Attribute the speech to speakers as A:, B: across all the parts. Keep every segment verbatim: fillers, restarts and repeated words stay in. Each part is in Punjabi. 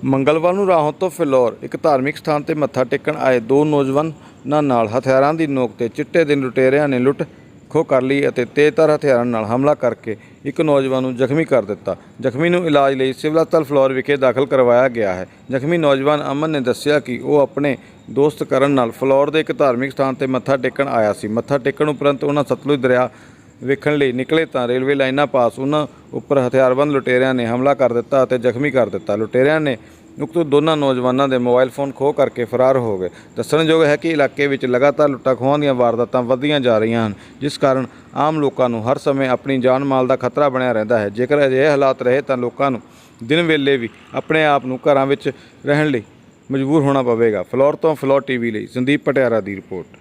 A: ਮੰਗਲਵਾਰ ਨੂੰ ਰਾਹੋਂ ਤੋਂ ਫਿਲੌਰ ਇੱਕ ਧਾਰਮਿਕ ਸਥਾਨ 'ਤੇ ਮੱਥਾ ਟੇਕਣ ਆਏ ਦੋ ਨੌਜਵਾਨਾਂ ਨਾਲ ਹਥਿਆਰਾਂ ਦੀ ਨੋਕ 'ਤੇ ਚਿੱਟੇ ਦਿਨ ਲੁਟੇਰਿਆਂ ਨੇ ਲੁੱਟ ਖੋਹ ਕਰ ਲਈ ਅਤੇ ਤੇਜ਼ਧਾਰ ਹਥਿਆਰਾਂ ਨਾਲ ਹਮਲਾ ਕਰਕੇ ਇੱਕ ਨੌਜਵਾਨ ਨੂੰ ਜ਼ਖਮੀ ਕਰ ਦਿੱਤਾ। ਜ਼ਖਮੀ ਨੂੰ ਇਲਾਜ ਲਈ ਸਿਵਲ ਹਸਪਤਾਲ ਫਿਲੌਰ ਵਿਖੇ ਦਾਖਲ ਕਰਵਾਇਆ ਗਿਆ ਹੈ। ਜ਼ਖਮੀ ਨੌਜਵਾਨ ਅਮਨ ਨੇ ਦੱਸਿਆ ਕਿ ਉਹ ਆਪਣੇ ਦੋਸਤ ਕਰਨ ਨਾਲ ਫਿਲੌਰ ਦੇ ਇੱਕ ਧਾਰਮਿਕ ਸਥਾਨ 'ਤੇ ਮੱਥਾ ਟੇਕਣ ਆਇਆ ਸੀ। ਮੱਥਾ ਟੇਕਣ ਉਪਰੰਤ ਉਹਨਾਂ ਸਤਲੁਜ ਦਰਿਆ ਵੇਖਣ ਲਈ ਨਿਕਲੇ ਤਾਂ ਰੇਲਵੇ ਲਾਈਨਾਂ ਪਾਸ ਉਹਨਾਂ ਉੱਪਰ ਹਥਿਆਰਬੰਦ ਲੁਟੇਰਿਆਂ ਨੇ ਹਮਲਾ ਕਰ ਦਿੱਤਾ ਅਤੇ ਜ਼ਖਮੀ ਕਰ ਦਿੱਤਾ। ਲੁਟੇਰਿਆਂ ਨੇ ਉਕਤ ਦੋਨਾਂ ਨੌਜਵਾਨਾਂ ਦੇ ਮੋਬਾਈਲ ਫੋਨ ਖੋਹ ਕਰਕੇ ਫਰਾਰ ਹੋ ਗਏ। ਦੱਸਣਯੋਗ ਹੈ ਕਿ ਇਲਾਕੇ ਵਿੱਚ ਲਗਾਤਾਰ ਲੁੱਟਾਂ ਖੋਹਾਂ ਦੀਆਂ ਵਾਰਦਾਤਾਂ ਵੱਧਦੀਆਂ ਜਾ ਰਹੀਆਂ ਹਨ, ਜਿਸ ਕਾਰਨ ਆਮ ਲੋਕਾਂ ਨੂੰ ਹਰ ਸਮੇਂ ਆਪਣੀ ਜਾਨ ਮਾਲ ਦਾ ਖਤਰਾ ਬਣਿਆ ਰਹਿੰਦਾ ਹੈ। ਜੇਕਰ ਅਜਿਹੇ ਹਾਲਾਤ ਰਹੇ ਤਾਂ ਲੋਕਾਂ ਨੂੰ ਦਿਨ ਵੇਲੇ ਵੀ ਆਪਣੇ ਆਪ ਨੂੰ ਘਰਾਂ ਵਿੱਚ ਰਹਿਣ ਲਈ ਮਜਬੂਰ ਹੋਣਾ ਪਵੇਗਾ। ਫਿਲੌਰ ਤੋਂ ਫਿਲੌਰ ਟੀਵੀ ਲਈ ਸੰਦੀਪ ਪਟਿਆਰਾ ਦੀ ਰਿਪੋਰਟ।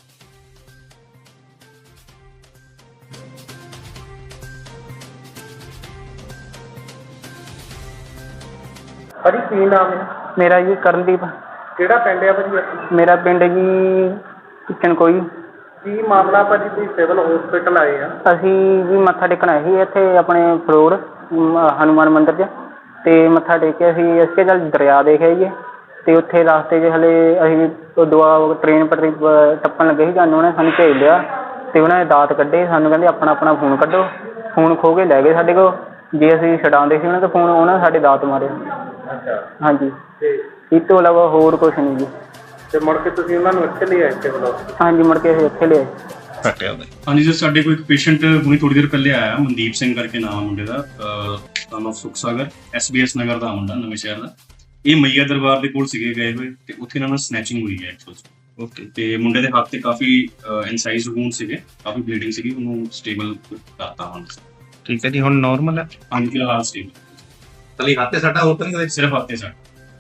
B: ਭਾਜੀ ਕੀ ਨਾਮ ਹੈ?
C: ਮੇਰਾ ਜੀ ਕਰਨਦੀਪ।
B: ਕਿਹੜਾ ਪਿੰਡ ਹੈ ਭਾਜੀ?
C: ਮੇਰਾ ਪਿੰਡ ਜੀ ਕਿਚਨ ਕੋਈ।
B: ਕੀ ਮਾਮਲਾ ਭਾਜੀ? ਤੁਸੀਂ ਸਿਵਲ ਹਸਪੀਟਲ ਆਏ ਆ?
C: ਅਸੀਂ ਜੀ ਮੱਥਾ ਟੇਕਣ ਆਏ ਸੀ ਇੱਥੇ ਆਪਣੇ ਫਲੋਰ ਹਨੂੰਮਾਨ ਮੰਦਿਰ 'ਚ, ਅਤੇ ਮੱਥਾ ਟੇਕਿਆ ਸੀ। ਅਸੀਂ ਕਿਹਾ ਚੱਲ ਦਰਿਆ ਦੇਖ ਆਈਏ, ਅਤੇ ਉੱਥੇ ਰਸਤੇ 'ਚ ਹਲੇ ਅਸੀਂ ਦੁਆ ਟ੍ਰੇਨ ਪਟਰੀ ਟੱਪਣ ਲੱਗੇ ਸੀ, ਸਾਨੂੰ ਉਹਨੇ ਸਾਨੂੰ ਭੇਜ ਲਿਆ ਅਤੇ ਉਹਨਾਂ ਨੇ ਦਾਤ ਕੱਢੇ। ਸਾਨੂੰ ਕਹਿੰਦੇ ਆਪਣਾ ਆਪਣਾ ਫੋਨ ਕੱਢੋ। ਫੋਨ ਖੋਹ ਕੇ ਲੈ ਗਏ ਸਾਡੇ ਕੋਲ। ਜੇ ਅਸੀਂ ਛਡਾਉਂਦੇ ਸੀ ਉਹਨਾਂ ਦਾ ਫੋਨ, ਉਹਨਾਂ ਨੇ ਸਾਡੇ ਦਾਤ ਮਾਰੇ।
B: ਅੱਛਾ।
C: ਹਾਂਜੀ,
B: ਤੇ
C: ਇਸ ਤੋਂ ਇਲਾਵਾ ਹੋਰ ਕੁਛ ਨਹੀਂ ਜੀ।
B: ਤੇ ਮੁੜ ਕੇ ਤੁਸੀਂ ਉਹਨਾਂ ਨੂੰ ਇੱਥੇ ਲੈ ਆਏ ਸਿਵਲ?
C: ਹਾਂਜੀ, ਮੁੜ ਕੇ ਅਸੀਂ ਇੱਥੇ ਲਿਆਏ।
D: ਹਾਂਜੀ ਸਰ, ਸਾਡੇ ਕੋਲ ਇੱਕ ਪੇਸ਼ੈਂਟ ਹੁਣੀ ਥੋੜੀ ਦੇਰ ਪਹਿਲੇ ਆਇਆ, ਮਨਦੀਪ ਸਿੰਘ ਕਰਕੇ ਨਾਮ ਮੁੰਡੇ ਦਾ, ਨਾਮ Sukh Sagar, S B S Nagar ਦਾ ਮੁੰਡਾ, ਨਵੇਂ ਸ਼ਹਿਰ ਦਾ। ਇਹ ਮਈਆ ਦਰਬਾਰ ਦੇ ਕੋਲ ਸੀਗੇ ਗਏ ਹੋਏ, ਤੇ ਉੱਥੇ ਇਹਨਾਂ ਨਾਲ ਸਨੈਚਿੰਗ ਹੋਈ ਹੈ ਐਕਚੁਅਲ। ਓਕੇ। ਤੇ ਮੁੰਡੇ ਦੇ ਹੱਥ ਤੇ ਕਾਫੀ ਇਨਸਾਈਜ਼ ਵੂੰਡ ਸੀਗੇ, ਕਾਫੀ ਬਲੀਡਿੰਗ ਸੀਗੀ, ਉਹਨੂੰ ਸਟੇਬਲ ਕਰਤਾ ਹੁਣ।
E: ਠੀਕ ਹੈ ਜੀ, ਹੁਣ ਨਾਰਮਲ ਹੈ?
D: ਹਾਂਜੀ ਫਿਲਹਾਲ ਸਟੇਬਲ।
E: ਤਲੀ ਹੱਥ ਤੇ ਸੱਟਾ, ਹੋਰ ਤਾਂ ਨਹੀਂ?
D: ਸਿਰਫ ਹੱਥ ਤੇ ਸੱਟ।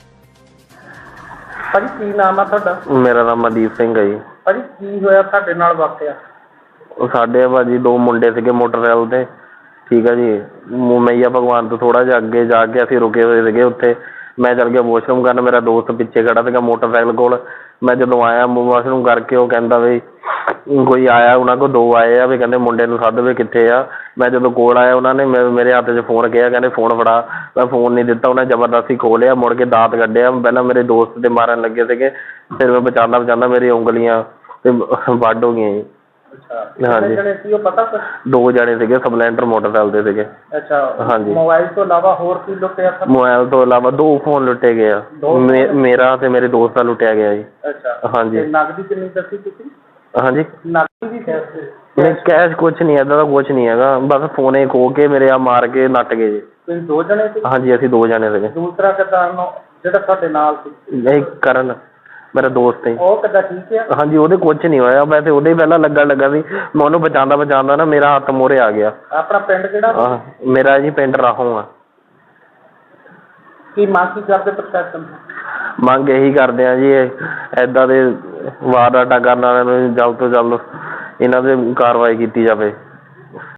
B: ਭਾਜੀ ਕੀ ਨਾਮ ਆ ਤੁਹਾਡਾ?
F: ਮੇਰਾ ਨਾਮ ਮਨਦੀਪ ਸਿੰਘ ਹੈ ਜੀ।
B: ਭਾਜੀ ਕੀ ਹੋਇਆ ਤੁਹਾਡੇ ਨਾਲ ਵਾਕਿਆ?
F: ਉਹ ਸਾਡੇ ਭਾਜੀ ਦੋ ਮੁੰਡੇ ਸੀਗੇ ਮੋਟਰਸਾਈਕਲ ਤੇ, ਠੀਕ ਹੈ ਜੀ। ਮਈਆ ਭਗਵਾਨ ਤੋਂ ਥੋੜਾ ਜਿਹਾ ਅੱਗੇ ਜਾ ਕੇ ਅਸੀਂ ਰੁਕੇ ਹੋਏ ਸੀਗੇ ਉੱਥੇ। ਮੈਂ ਚੱਲ ਗਿਆ ਵਾਸ਼ਰੂਮ ਕਰਨ, ਮੇਰਾ ਦੋਸਤ ਪਿੱਛੇ ਖੜਾ ਸੀਗਾ ਮੋਟਰਸਾਈਕਲ ਕੋਲ। ਮੈਂ ਜਦੋਂ ਆਇਆ ਵਾਸ਼ਰੂਮ ਕਰਕੇ, ਉਹ ਕਹਿੰਦਾ ਵੀ ਕੋਈ ਆਇਆ, ਉਹਨਾਂ ਕੋਲ ਦੋ ਆਏ ਆ ਵੀ, ਕਹਿੰਦੇ ਮੁੰਡੇ ਨੂੰ ਸੱਦ ਵੀ ਕਿੱਥੇ ਆ। ਮੈਂ ਜਦੋਂ ਕੋਲ ਆਇਆ, ਉਹਨਾਂ ਨੇ ਮੇਰੇ ਹੱਥ 'ਚ ਫੋਨ ਕਿਹਾ, ਕਹਿੰਦੇ ਫੋਨ ਫੜਾ। ਮੈਂ ਫੋਨ ਨਹੀਂ ਦਿੱਤਾ, ਉਹਨੇ ਜ਼ਬਰਦਸਤੀ ਖੋਹ ਲਿਆ। ਮੁੜ ਕੇ ਦਾਤ ਕੱਢਿਆ। ਪਹਿਲਾਂ ਮੇਰੇ ਦੋਸਤ ਦੇ ਮਾਰਨ ਲੱਗੇ ਸੀਗੇ, ਫਿਰ ਮੈਂ ਬਚਾਉਂਦਾ ਬਚਾਉਂਦਾ ਮੇਰੀ ਉਂਗਲੀਆਂ ਤੇ ਵੱਢ ਹੋ ਗਈਆਂ ਜੀ। ਹਾਂਜੀ,
B: ਉਹ ਪਤਾ ਕੁਛ?
F: ਦੋ ਜਣੇ ਸੀਗੇ, ਸਪਲੈਂਡਰ ਮੋਟਰਸਾਈਕਲ ਤੇ ਸੀਗੇ।
B: ਅੱਛਾ।
F: ਹਾਂਜੀ।
B: ਮੋਬਾਈਲ ਤੋਂ ਇਲਾਵਾ ਹੋਰ ਕੀ ਲੁੱਟਿਆ?
F: ਮੋਬਾਈਲ ਤੋਂ ਇਲਾਵਾ ਦੋ ਫੋਨ ਲੁੱਟੇ ਗਏ ਆ, ਮੇਰਾ ਤੇ ਮੇਰੇ ਦੋਸਤ ਦਾ ਲੁੱਟਿਆ ਗਿਆ ਜੀ।
B: ਅੱਛਾ।
F: ਹਾਂਜੀ।
B: ਨਗਦੀ ਕਿੰਨੀ ਦੱਸੀ ਤੁਸੀਂ?
F: ਹਾਂਜੀ,
B: ਨਗਦੀ ਵੀ
F: ਨਹੀਂ ਕੈਸ਼ ਕੁਛ ਨਹੀਂ, ਏਦਾਂ ਦਾ ਕੁਛ ਨਹੀਂ ਹੈਗਾ। ਬਸ ਫੋਨੇ ਖੋਹ ਕੇ ਮੇਰੇ ਆ ਮਾਰ ਕੇ ਨੱਟ ਗਏ ਜੀ।
B: ਤੁਸੀਂ ਦੋ ਜਣੇ ਸੀ?
F: ਹਾਂਜੀ, ਅਸੀਂ ਦੋ ਜਣੇ ਸੀਗੇ।
B: ਦੂਸਰਾ ਕਿੱਦਾਂ ਜਿਹੜਾ ਤੁਹਾਡੇ ਨਾਲ ਸੀ?
F: ਨਹੀਂ, ਕਰਨ ਮੇਰਾ ਦੋਸਤ ਹੈ।
B: ਉਹ ਕਿੱਦਾਂ ਠੀਕ ਹੈ?
F: ਹਾਂਜੀ, ਉਹਦੇ ਕੁਛ ਨਹੀਂ ਹੋਇਆ। ਮੈਂ ਤੇ ਉਹਦੇ ਪਹਿਲਾਂ ਲੱਗਣ ਲੱਗਾ ਸੀ, ਮੈਂ ਉਹਨੂੰ ਬਚਾਉਂਦਾ ਬਚਾਉਂਦਾ ਨਾ ਮੇਰਾ ਹੱਥ ਮੂਹਰੇ ਆ ਗਿਆ।
B: ਆਪਣਾ ਪਿੰਡ ਕਿਹੜਾ?
F: ਮੇਰਾ ਜੀ ਪਿੰਡ ਰਾਹੋਂ ਆ।
B: ਕੀ ਮੰਗ ਕੀ ਕਰਦੇ ਪ੍ਰਸ਼ਾਸਨ?
F: ਮੰਗ ਇਹੀ ਕਰਦੇ ਆ ਜੀ, ਏਦਾਂ ਦੇ ਵਾਰਦਾਤਾਂ ਕਰਨ ਵਾਲਿਆਂ ਨੂੰ ਜਲਦ ਤੋਂ ਜਲਦ ਇਹਨਾਂ 'ਤੇ ਕਾਰਵਾਈ ਕੀਤੀ ਜਾਵੇ।